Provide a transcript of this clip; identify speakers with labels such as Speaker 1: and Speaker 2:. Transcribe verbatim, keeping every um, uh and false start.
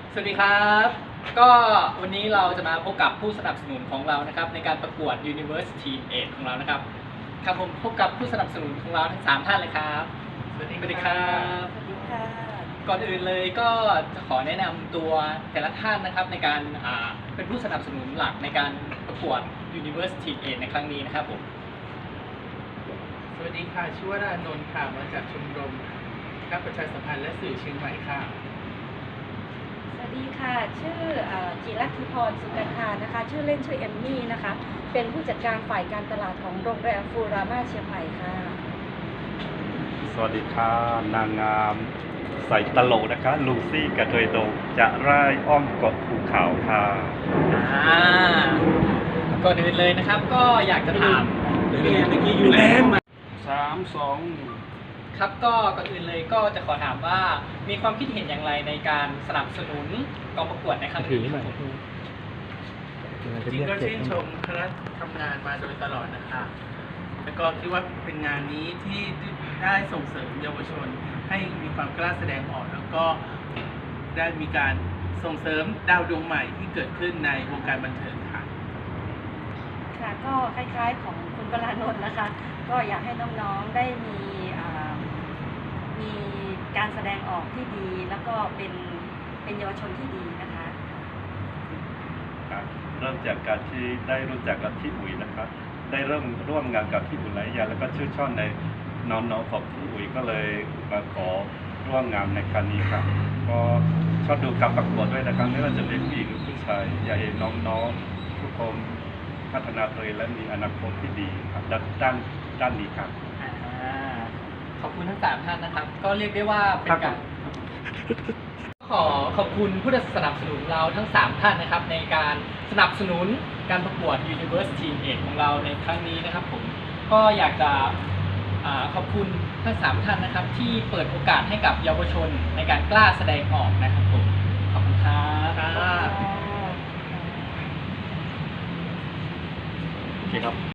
Speaker 1: สวัสดีครับก็วันนี้เราจะมาพบกับผู้สนับสนุนของเรานะครับในการประกวด Universe Teen Age ของเรานะครับครับผมพบกับผู้สนับสนุนของเราทั้งสามท่านเลยครับสวัสดีครับ
Speaker 2: สวัสดีค่ะ
Speaker 1: ก่อนอื่นเลยก็จะขอแนะนำตัวแต่ละท่านนะครับในการอ่าเป็นผู้สนับสนุนหลักในการประกวด Universe Teen Age ในครั้งนี้นะครับผม
Speaker 3: สวัสดีค่ะชื่อว่ารานนท์ค่ะมาจากชมรมการประชาสัมพันธ์และสื่อเชียงใหม่ค่ะ
Speaker 2: สวัสดีค่ะ ชื่อเอ่อจิรัตธิพรสุกันธานะคะ ชื่อเล่นชื่อเอมมี่นะคะ เป็นผู้จัดการฝ่ายการตลาดของโรงแรมฟูรามาเชียงใหม่ค่ะ
Speaker 4: สวัสดีค่ะนางงามใส่ตลกนะคะลูซี่กระเทยโดงจะไร่ายอ้อมเกาะภูเขาค่ะ
Speaker 1: อ่าก่อนอื่นเลยนะครับก็อยากจะถาม
Speaker 3: เมื่อกี้อยู่แล้ว
Speaker 4: สามสอง
Speaker 1: ครับก็ก่อนอื่นเลยก็จะขอถามว่ามีความคิดเห็นอย่างไรในการสนับสนุนกองประกวดในครั้งนี้ครับผม
Speaker 3: จริงก็ชื่นชมคณะทำงานมาโดยตลอดนะคะ แล้วก็คิดว่าเป็นงานนี้ที่ได้ส่งเสริมเยาวชนให้มีความกล้าแสดงออก แล้วก็ได้มีการส่งเสริมดาวดวงใหม่ที่เกิดขึ้นในวงการบันเทิงค่ะ
Speaker 2: ค่ะก็คล้ายๆของคุณปรานนท์นะคะ ก็อยากให้น้องๆได้มีอ่ามีการแสดงออกที่ดี แล้วก็เป็นเป็นเยาวชนที่ดีนะคะ
Speaker 4: ครับเริ่มจากการที่ได้รู้จักกับพี่อุ๋ยนะครับได้เริ่มร่วมงานกับพี่อุ๋ยหลายอย่างแล้วก็ชื่นชอบในน้องๆของพี่อุ๋ยก็เลยมาขอร่วมงานในครั้งนี้ครับก็ชอบดูการประกวดด้วยนะครับไม่ว่าจะเป็นผู้หญิงหรือผู้ชายอยากเห็นน้องๆทุกคนพัฒนาตัวเองและมีอนาคตที่ดีครับด้านด้านด้านนี้ครับ
Speaker 1: อ่าขอบคุณทั้งสามท่านนะครับ ก็เรียกได้ว่าเป็นการขอขอบคุณผู้สนับสนุนเราทั้งสามท่านนะครับในการสนับสนุนการประกวด Universe Teen Age ของเราในครั้งนี้นะครับผมก็อยากจะอ่าขอบคุณทั้งสามท่านนะครับที่เปิดโอกาสให้กับเยาวชนในการกล้าแสดงออกนะครับผมขอบคุณครับ
Speaker 3: ครับ
Speaker 4: โอเคครับ